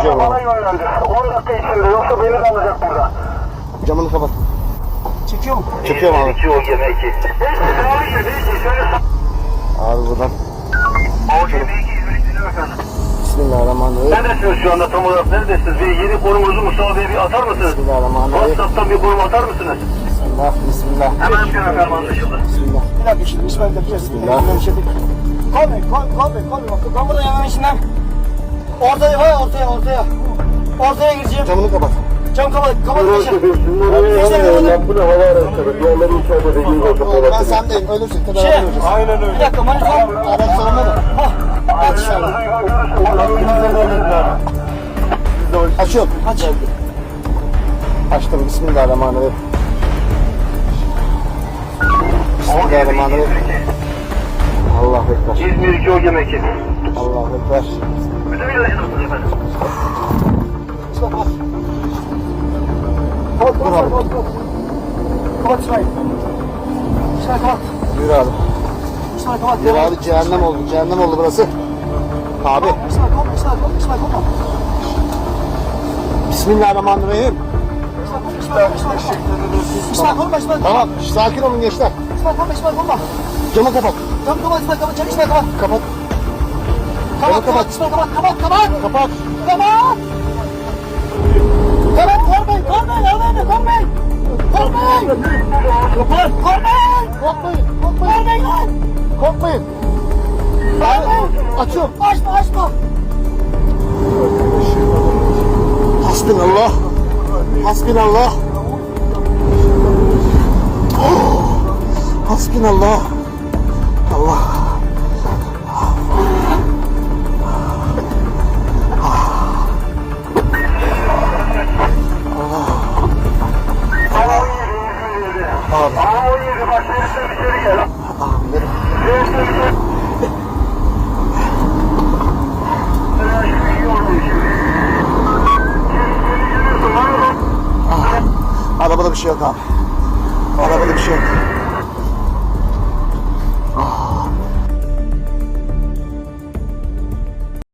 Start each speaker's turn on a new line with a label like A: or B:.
A: Çekiyorum
B: bana
A: abi.
B: yönlendi. 10 dakika içinde yoksa beni de alacak burada.
A: Camını kapat.
C: Çekiyor mu?
A: Çekiyorum abi.
B: 2 o gemi 2. Neyse devam ediyor. Neyse şöyle
A: Abi buradan.
B: o gemi 2 İzmir'i dinliyor efendim.
A: Bismillahirrahmanirrahim.
B: Neredesiniz şu anda tam olarak neredesiniz? Bir yeni konumuzu Mustafa Bey'e bir atar mısınız?
A: Bismillahirrahmanirrahim.
B: WhatsApp'tan bir konum atar mısınız?
A: Bismillah. Bismillah.
B: Hemen yapıyorum efendim anlaşıldı.
A: Bismillah.
C: Bir dakika şimdi İsmail yapacağız. Kol burada yanına içinden. Ortaya gireceğim.
A: Camını kapat.
C: Cam kapat geçeceğim.
B: Bu ne hava araçları? Diğerleri içeride dediğiniz olsun.
A: Ben sendeyim. Ölürsün. Tedavi
C: Şey,
A: olacağız.
B: Aynen öyle.
C: Bir dakika manita.
A: Araç sorumlu mu?
C: Aç inşallah.
A: Açıyorum.
C: Aç.
A: Açtım. Bismillahirrahmanirrahim. Bismillahirrahmanirrahim. Allahu Ekber.
B: İzmir 2 o gemi 2.
A: Allahu Ekber.
B: Bütün ilacınızsınız efendim.
C: Kapat İsmail. İsmail kapat.
A: Buyur abi.
C: İsmail kapat.
A: Buyur abi. Cehennem oldu. Cehennem oldu burası. Abi.
C: İsmail kapat.
A: Bismillahirrahmanirrahim.
C: İsmail korkma İsmail.
A: Tamam. Sakin olun gençler.
C: İsmail korkma.
A: Camı kapat.
C: Cam kapat İsmail kapat. Cam İsmail kapat.
A: Kapat.
C: Kapat İsmail kapat. Kapat.
A: Kapat.
C: Kapat. Korkmayın.
A: Korkmayın lan. Korkmayın. Açıyorum.
C: Açma.
A: Hasbinallah. Hasbinallah. Hasbinallah. Allah. Abi.
B: Ama 17 bak sen içeri gel.
A: Amirim. Arabada bir şey yok abi.